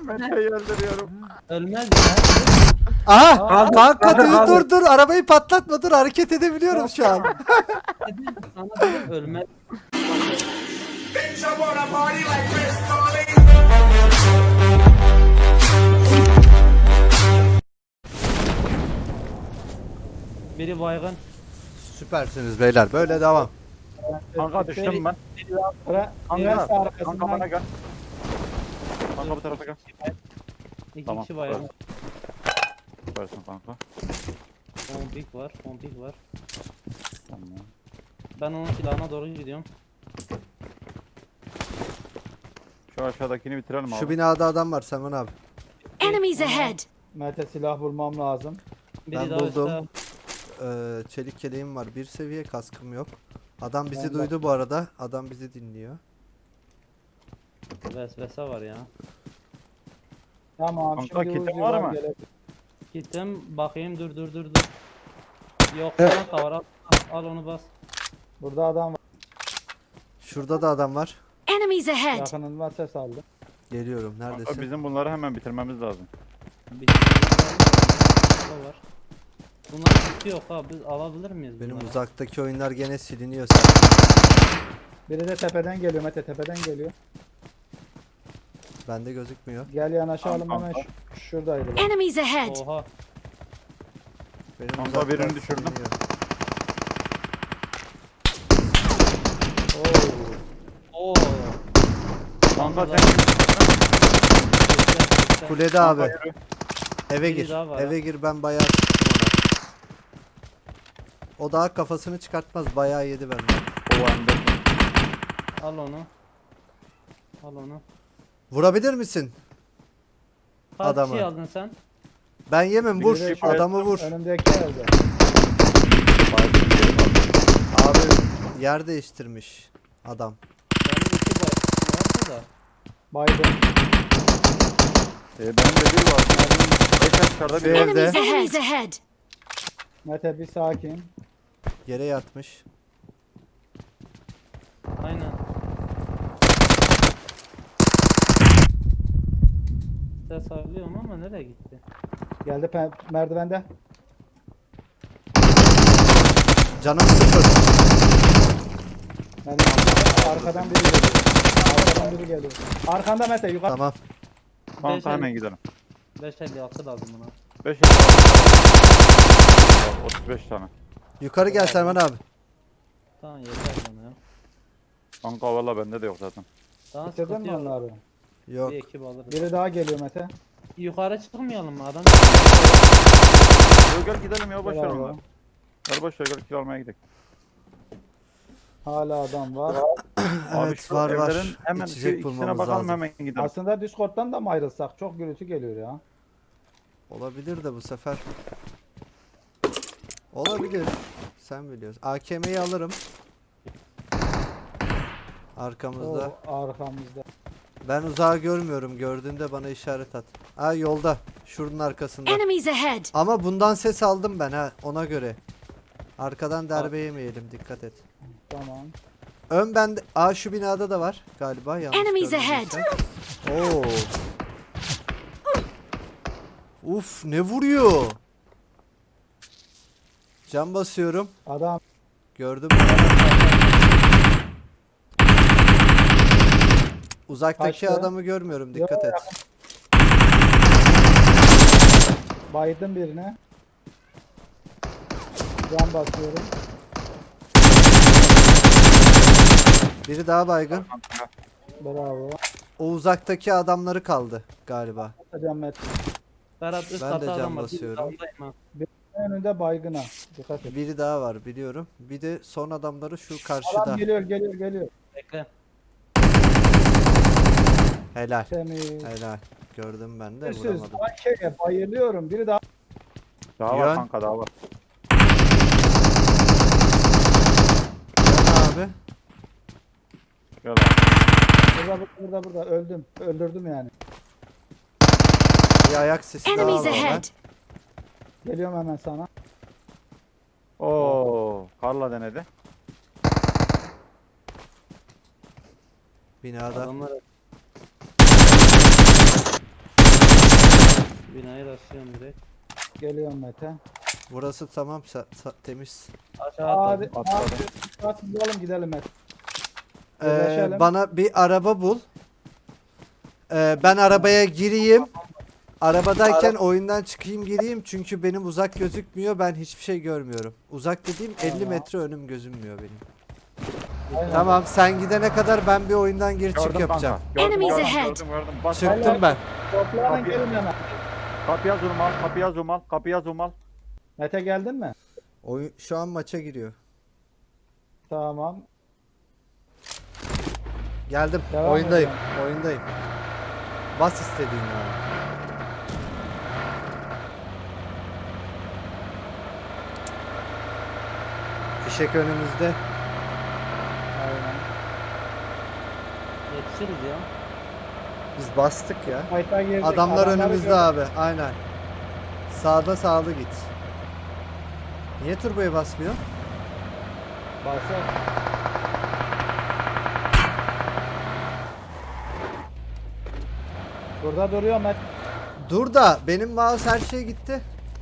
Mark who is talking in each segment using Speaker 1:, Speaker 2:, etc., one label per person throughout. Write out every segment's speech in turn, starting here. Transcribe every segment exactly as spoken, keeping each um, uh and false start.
Speaker 1: Mete'yi öldürüyorum.
Speaker 2: Ölmez ya.
Speaker 3: Aha!
Speaker 2: Aa,
Speaker 3: Kanka
Speaker 4: kaldır,
Speaker 3: dur
Speaker 4: kaldır.
Speaker 3: dur dur arabayı patlatma dur hareket edebiliyorum şu an.
Speaker 2: Dedim, sana dedim ölmez. Biri baygın.
Speaker 3: Süpersiniz beyler böyle devam.
Speaker 1: Kanka düştüm ben.
Speaker 4: Ara,
Speaker 1: Kanka,
Speaker 4: üniversite
Speaker 1: kanka
Speaker 4: arkasından
Speaker 1: bana gel. Kanka bu tarafa gel.
Speaker 2: İki
Speaker 1: Tamam,
Speaker 2: kişi baygın.
Speaker 1: Süpersin kanka.
Speaker 2: Pompik var, pompik var.
Speaker 1: Tamam.
Speaker 2: Ben onun silahına doğru gidiyorum.
Speaker 1: Şu aşağıdakini bitirelim abi.
Speaker 3: Şu binada adam var Seman abi.
Speaker 5: Enemies ahead!
Speaker 4: Mete silah bulmam lazım.
Speaker 2: Biri
Speaker 3: Ben
Speaker 2: daha
Speaker 3: buldum.
Speaker 2: üstte.
Speaker 3: Ee, çelik keleğim var bir seviye kaskım yok. Adam bizi
Speaker 4: Ben de-
Speaker 3: duydu bu arada. Adam bizi dinliyor.
Speaker 2: Vesvese var ya.
Speaker 4: Tamam
Speaker 1: Kanka,
Speaker 4: şimdi
Speaker 1: kitin
Speaker 4: Uzi
Speaker 1: var
Speaker 4: var
Speaker 1: mı?
Speaker 4: gelebilir.
Speaker 2: Gittim bakayım dur dur dur dur. Yok sana var al, al onu bas.
Speaker 4: Burada adam var.
Speaker 3: Şurada da adam var.
Speaker 5: Enemies ahead!
Speaker 4: Yakınından ses aldı.
Speaker 3: Geliyorum
Speaker 1: Kanka
Speaker 3: neredesin?
Speaker 1: bizim bunları hemen bitirmemiz lazım.
Speaker 2: Bir o var. Bunlar hiç yok ha biz alabilir miyiz
Speaker 3: Benim
Speaker 2: bunları?
Speaker 3: uzaktaki oyunlar gene siliniyor sen.
Speaker 4: Biri de tepeden geliyor Mete tepeden geliyor.
Speaker 3: Bende gözükmüyor.
Speaker 4: Gel yanaşalım
Speaker 1: Tamam,
Speaker 4: hemen
Speaker 1: tamam.
Speaker 4: şu, şuradaydı. bak.
Speaker 5: Enemies ahead!
Speaker 2: Oha.
Speaker 3: Benim
Speaker 1: Kanka,
Speaker 3: uzaklar
Speaker 1: birini düşürdüm.
Speaker 3: siliniyor.
Speaker 4: Oo.
Speaker 2: Oo.
Speaker 1: Kanka
Speaker 2: Vallahi-
Speaker 1: sen
Speaker 3: Kulede abi.
Speaker 1: Kanka yürü.
Speaker 3: Eve
Speaker 2: Biri
Speaker 3: gir.
Speaker 2: daha var
Speaker 3: Eve gir ben bayağı sıktım ona. O daha kafasını çıkartmaz. Bayağı yedi benden.
Speaker 1: O ende.
Speaker 2: Al onu. Al onu.
Speaker 3: Vurabilir misin?
Speaker 2: Kaç
Speaker 3: Adamı.
Speaker 2: kişi aldın sen?
Speaker 3: Ben yemem vur.
Speaker 4: Biri de şu-
Speaker 3: Adamı vur.
Speaker 4: Önümdeki evde.
Speaker 3: Abi yer değiştirmiş adam.
Speaker 2: Benim iki baygın vardı da.
Speaker 4: Biden.
Speaker 1: E, benim de bir var. Beş aşağıda bir
Speaker 3: Evde.
Speaker 1: var.
Speaker 5: Enemies ahead! Enemies ahead!
Speaker 4: Mete bir sakin.
Speaker 3: Yere yatmış.
Speaker 2: Aynen. Ses alıyorum ama nereye gitti?
Speaker 4: Geldi pe- merdivende.
Speaker 3: Canım sıfır.
Speaker 4: Yani arkadan biri geliyor. Arkadan biri geliyor. Arkanda Mete yukarı.
Speaker 3: Tamam.
Speaker 1: Kanka hemen gidelim.
Speaker 2: beş elli altı lazım buna.
Speaker 1: beş otuz beş tane.
Speaker 3: Yukarı gel Selman abi.
Speaker 2: Tamam yeter bana ya.
Speaker 1: Kanka valla bende de yok zaten.
Speaker 2: Daha
Speaker 4: Bitirdin
Speaker 2: sıkıntı
Speaker 4: mi
Speaker 2: yok.
Speaker 4: onları?
Speaker 3: Yok.
Speaker 2: Bir ekip alırız.
Speaker 4: Biri daha geliyor Mete.
Speaker 2: Yukarı çıkmayalım mı adam?
Speaker 1: Yo, gel gidelim ya boş ver
Speaker 4: Bravo.
Speaker 1: onları. Gel boş ver gel kilo almaya gidelim.
Speaker 4: Hala adam var.
Speaker 1: Abi
Speaker 3: Evet
Speaker 1: şu
Speaker 3: var var.
Speaker 1: evlerin hemen şu
Speaker 3: İçecek
Speaker 1: ikisine
Speaker 3: bulmamız
Speaker 1: bakalım
Speaker 3: lazım.
Speaker 1: hemen gidelim.
Speaker 4: Aslında Discord'dan da mı ayrılsak? Çok gürültü geliyor ya.
Speaker 3: Olabilir de bu sefer. Olabilir. Sen biliyorsun. A K M'yi alırım. Arkamızda.
Speaker 4: O arkamızda.
Speaker 3: Ben uzağı görmüyorum. Gördüğünde bana işaret at. Ha yolda. Şunun arkasında.
Speaker 5: Enemies ahead!
Speaker 3: Ama bundan ses aldım ben ha. Ona göre. Arkadan darbe yemeyelim. Dikkat et.
Speaker 4: Tamam.
Speaker 3: Ön bende. Aa şu binada da var galiba. Yanlış
Speaker 5: Enemies
Speaker 3: görmediysem. Oo. Uf ne vuruyor? Cam basıyorum.
Speaker 4: Adam
Speaker 3: Gördüm. Uzaktaki
Speaker 4: Kaçtı.
Speaker 3: adamı görmüyorum. Dikkat et.
Speaker 4: baydım birine. Can basıyorum.
Speaker 3: Biri daha baygın.
Speaker 4: Bravo.
Speaker 3: O uzaktaki adamları kaldı galiba.
Speaker 4: Hocam Mete.
Speaker 2: Berat üst
Speaker 3: Ben de
Speaker 2: katta
Speaker 3: cam
Speaker 2: adam var.
Speaker 3: basıyorum.
Speaker 2: Bir daldayım ha.
Speaker 4: Önünde baygına. Dikkat et.
Speaker 3: Biri daha var biliyorum. Bir de son adamları şu
Speaker 4: Adam
Speaker 3: karşıda.
Speaker 4: geliyor geliyor geliyor.
Speaker 2: Bekle.
Speaker 3: Helal.
Speaker 4: Temiz.
Speaker 3: Helal. Gördüm ben de
Speaker 4: Siz
Speaker 3: vuramadım.
Speaker 4: şeye bayılıyorum. Biri daha.
Speaker 1: Daha var
Speaker 3: Yön.
Speaker 1: kanka daha var.
Speaker 3: Sen abi.
Speaker 1: Gel abi.
Speaker 4: Burada burada burada burada. Öldüm. Öldürdüm yani.
Speaker 3: Bir ayak sesi daha
Speaker 5: Enemies
Speaker 3: var.
Speaker 5: ahead!
Speaker 4: Geliyorum hemen sana.
Speaker 1: Oo, Karla denedi.
Speaker 3: Binada.
Speaker 2: Adamlar Başlıyorum direkt.
Speaker 4: Geliyorum Mete.
Speaker 3: Burası tamam sa- sa- temiz.
Speaker 2: Aşağı
Speaker 4: Hadi.
Speaker 2: atladım.
Speaker 4: Hadi. Hadi bulalım gidelim Mete.
Speaker 3: Ee,
Speaker 4: Birleşelim.
Speaker 3: bana bir araba bul. Ee, ben arabaya gireyim. Arabadayken oyundan çıkayım gireyim çünkü benim uzak gözükmüyor. Ben hiçbir şey görmüyorum. Uzak dediğim elli
Speaker 4: Tamam.
Speaker 3: metre önüm gözünmüyor benim.
Speaker 4: Aynen.
Speaker 3: Tamam sen gidene kadar ben bir oyundan gir çık
Speaker 1: Gördüm
Speaker 3: yapacağım.
Speaker 1: kanka. Gördüm,
Speaker 5: Enemies
Speaker 1: gördüm,
Speaker 5: ahead.
Speaker 1: gördüm, gördüm. Bas,
Speaker 3: Çıktım ben.
Speaker 4: Toplanın gelin hemen.
Speaker 1: kapıya zoom al, kapıya zoom al, kapıya zoom al.
Speaker 4: Mete geldin mi?
Speaker 3: Oyun şu an maça giriyor.
Speaker 4: Tamam.
Speaker 3: Geldim.
Speaker 4: Devam
Speaker 3: oyundayım.
Speaker 4: edelim.
Speaker 3: Oyundayım. Bas istediğin ya. Fişek önümüzde.
Speaker 4: Aynen.
Speaker 2: Yetişiriz ya.
Speaker 3: Biz bastık ya.
Speaker 4: Fight'a girdik.
Speaker 3: Adamlar
Speaker 4: Adamları
Speaker 3: önümüzde
Speaker 4: gördük.
Speaker 3: abi. Aynen. Sağda sağlı git. Niye turboya basmıyor?
Speaker 4: Basın. Burada duruyor Mete.
Speaker 3: Dur da benim mouse her şey gitti.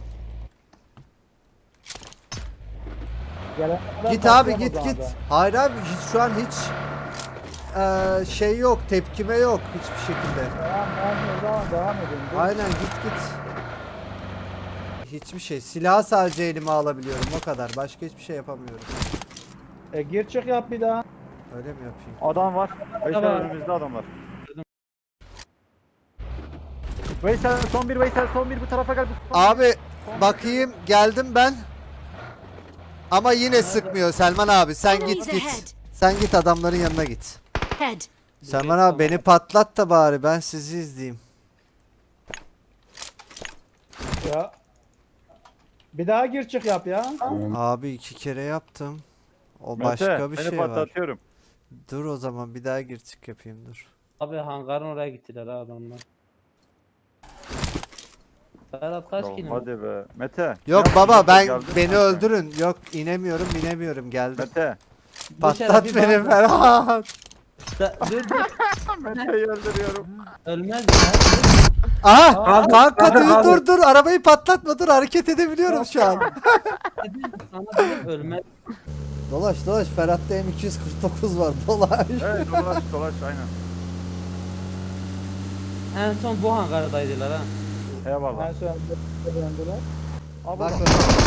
Speaker 4: Gelene kadar
Speaker 3: Git abi
Speaker 4: basıyorum o
Speaker 3: git
Speaker 4: zaman
Speaker 3: git.
Speaker 4: ben.
Speaker 3: Hayır abi hiç şu an hiç eee, şey yok, tepkime yok hiçbir şekilde.
Speaker 4: Tamam ben o zaman devam edeyim. Dur.
Speaker 3: Aynen git git. Hiçbir şey. Silahı sadece elime alabiliyorum o kadar. Başka hiçbir şey yapamıyorum.
Speaker 4: E, gir çık yap bir daha.
Speaker 3: Öyle mi yapayım?
Speaker 1: Adam var. Veysel
Speaker 2: Tamam.
Speaker 1: önümüzde adamlar. Veysel son bir, Veysel son bir, bu tarafa gel. bu-
Speaker 3: Abi bakayım geldim ben. Ama yine sıkmıyor Selman abi. Sen
Speaker 5: Enemies
Speaker 3: git git.
Speaker 5: ahead.
Speaker 3: Sen git adamların yanına git.
Speaker 5: Head.
Speaker 3: Selman abi beni patlat da bari ben sizi izleyeyim.
Speaker 4: Ya. Bir daha gir çık yap ya.
Speaker 3: Abi iki kere yaptım. O
Speaker 1: Mete,
Speaker 3: başka bir
Speaker 1: seni
Speaker 3: şey var.
Speaker 1: patlatıyorum.
Speaker 3: Dur o zaman bir daha gir çık yapayım dur.
Speaker 2: Abi hangarın oraya gittiler ha adamlar. Ferhat kaç
Speaker 1: Ya
Speaker 2: kilim?
Speaker 1: hadi be. Mete.
Speaker 3: Yok
Speaker 1: ne
Speaker 3: baba
Speaker 1: yaptın?
Speaker 3: ben
Speaker 1: Geldin
Speaker 3: beni
Speaker 1: mi?
Speaker 3: öldürün. Yok inemiyorum inemiyorum geldim.
Speaker 1: Mete.
Speaker 3: Patlat
Speaker 2: bir
Speaker 3: beni
Speaker 2: bak-
Speaker 3: Ferhat.
Speaker 2: Da- Dur dur.
Speaker 1: Mete'yi öldürüyorum.
Speaker 2: Ölmez ya.
Speaker 3: Aha kanka dur dur dur arabayı patlatma dur hareket edebiliyorum şu an.
Speaker 2: Dedim, sana dedim ölmez.
Speaker 3: Dolaş dolaş Ferhat'ta M iki yüz kırk dokuz var dolaş.
Speaker 1: Evet dolaş dolaş aynen.
Speaker 2: En son bu hangardaydılar ha.
Speaker 1: Eyvallah.
Speaker 4: Ben sonra döndüler.
Speaker 1: Abi
Speaker 3: Bak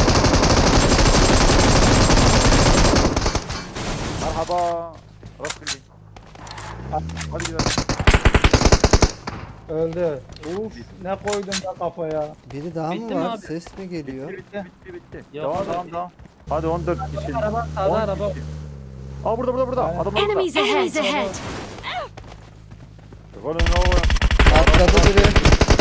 Speaker 1: merhaba. Rastgele. Hadi gidelim.
Speaker 4: Öldü. Uf ne koydun da kafaya.
Speaker 3: biri daha
Speaker 2: Bitti
Speaker 3: mı
Speaker 2: mi
Speaker 3: var?
Speaker 2: abi?
Speaker 3: Ses mi geliyor?
Speaker 1: Bitti bitti bitti.
Speaker 2: Yok,
Speaker 1: Devam
Speaker 2: abi.
Speaker 1: devam devam. Hadi on dört kişi.
Speaker 2: Araba sağda
Speaker 1: on
Speaker 2: araba.
Speaker 1: kişi. Aa burada burada burada.
Speaker 4: Aynen.
Speaker 1: Adamlar burada.
Speaker 5: Enemies ahead. ahead.
Speaker 1: Golün ne var?
Speaker 3: Atladı biri.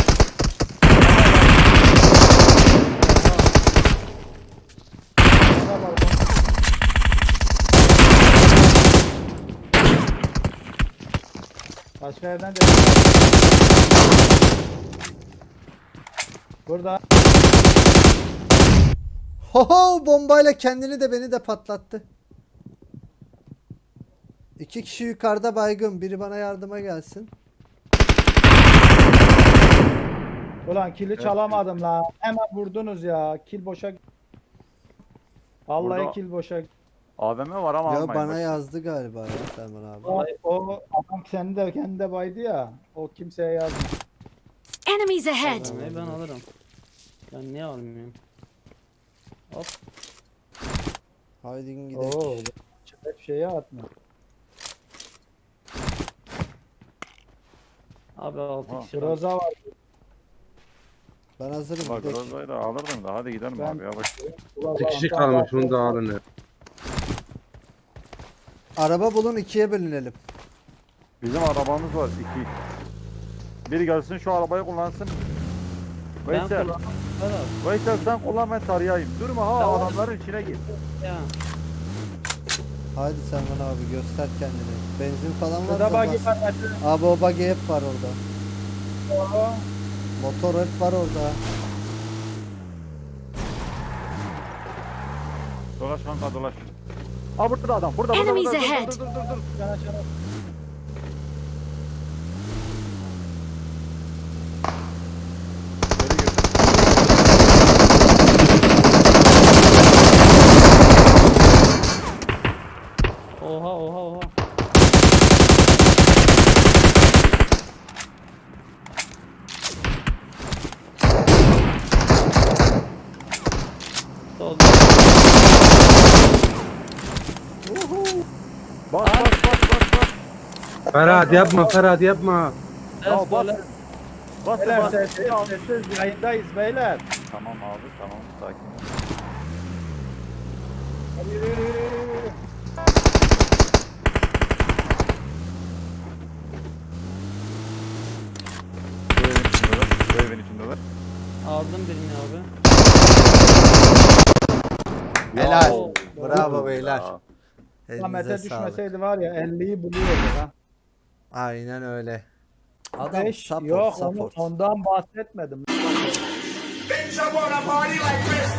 Speaker 4: Buna bak. Başka yerden de. Burada.
Speaker 3: Hoho bombayla kendini de beni de patlattı. İki kişi yukarıda baygın. Biri bana yardıma gelsin.
Speaker 4: Ulan kili çalamadım la. Hemen vurdunuz ya. Kil boşa. Vallahi
Speaker 1: Burada-
Speaker 4: kil boşa.
Speaker 1: A V M var ama
Speaker 3: Yo
Speaker 1: almayın.
Speaker 3: bana
Speaker 1: bak.
Speaker 3: yazdı galiba ya Selman abi.
Speaker 4: O, o adam kendi de kendi de baydı ya. O kimseye yazmıyor.
Speaker 5: Enemies ahead.
Speaker 2: Ölmeyi ben alırım. Ben niye almıyorum? Hop.
Speaker 3: Haydi gidelim.
Speaker 4: Oo. Hep şeye atmıyor.
Speaker 2: Abi altı
Speaker 1: Ha.
Speaker 2: kişi var.
Speaker 4: Groza var.
Speaker 3: Ben hazırım.
Speaker 1: Bak
Speaker 3: gidelim.
Speaker 1: Rozay'ı da alırdım da hadi gidelim
Speaker 4: Ben-
Speaker 1: abi yavaş.
Speaker 4: Groza
Speaker 6: Bir kişi
Speaker 4: var.
Speaker 6: kalmış onu da alın. ya.
Speaker 3: Araba bulun ikiye bölünelim.
Speaker 1: Bizim arabamız var iki. Biri gelsin şu arabayı kullansın.
Speaker 2: Ben
Speaker 1: Veysel,
Speaker 2: kullanmam. Ferhat.
Speaker 1: Veysel sen kullan ben tarayayım. Durma ha
Speaker 2: Tamam.
Speaker 1: adamların içine gir.
Speaker 2: Ya.
Speaker 3: Haydi Selman abi göster kendini. Benzin falan var
Speaker 4: Burada
Speaker 3: mı?
Speaker 4: bagi
Speaker 3: Bas.
Speaker 4: var. Mete.
Speaker 3: Abi o buggy hep var orada.
Speaker 4: Oo.
Speaker 3: Motor hep var orada.
Speaker 1: Dolaş kanka dolaş. Aa burada adam. Burada burada.
Speaker 5: Enemies
Speaker 1: burada. Dur,
Speaker 5: ahead.
Speaker 1: Dur dur dur dur.
Speaker 4: Yana çana.
Speaker 1: Geri gir.
Speaker 6: Ferhat yapma Ferhat yapma.
Speaker 1: Ya
Speaker 2: Ses böyle.
Speaker 1: basın. Basın
Speaker 4: Beyler
Speaker 1: basın.
Speaker 4: sessiz, sessiz yayındayız beyler.
Speaker 1: Tamam abi tamam sakin.
Speaker 4: Hadi yürü yürü yürü yürü, yürü.
Speaker 1: Bu evin içindeler. Bu evin içindeler.
Speaker 2: Aldım birini abi.
Speaker 3: Helal.
Speaker 2: Oo.
Speaker 3: Bravo beyler.
Speaker 1: Ya.
Speaker 4: Lan Mete
Speaker 3: Elinize sağlık.
Speaker 4: düşmeseydi var ya elliyi buluyordu ha.
Speaker 3: Aynen öyle. Adam
Speaker 4: Beş,
Speaker 3: support
Speaker 4: yok onu,
Speaker 3: support.
Speaker 4: ondan bahsetmedim.
Speaker 7: Bitch, I wanna party like Chris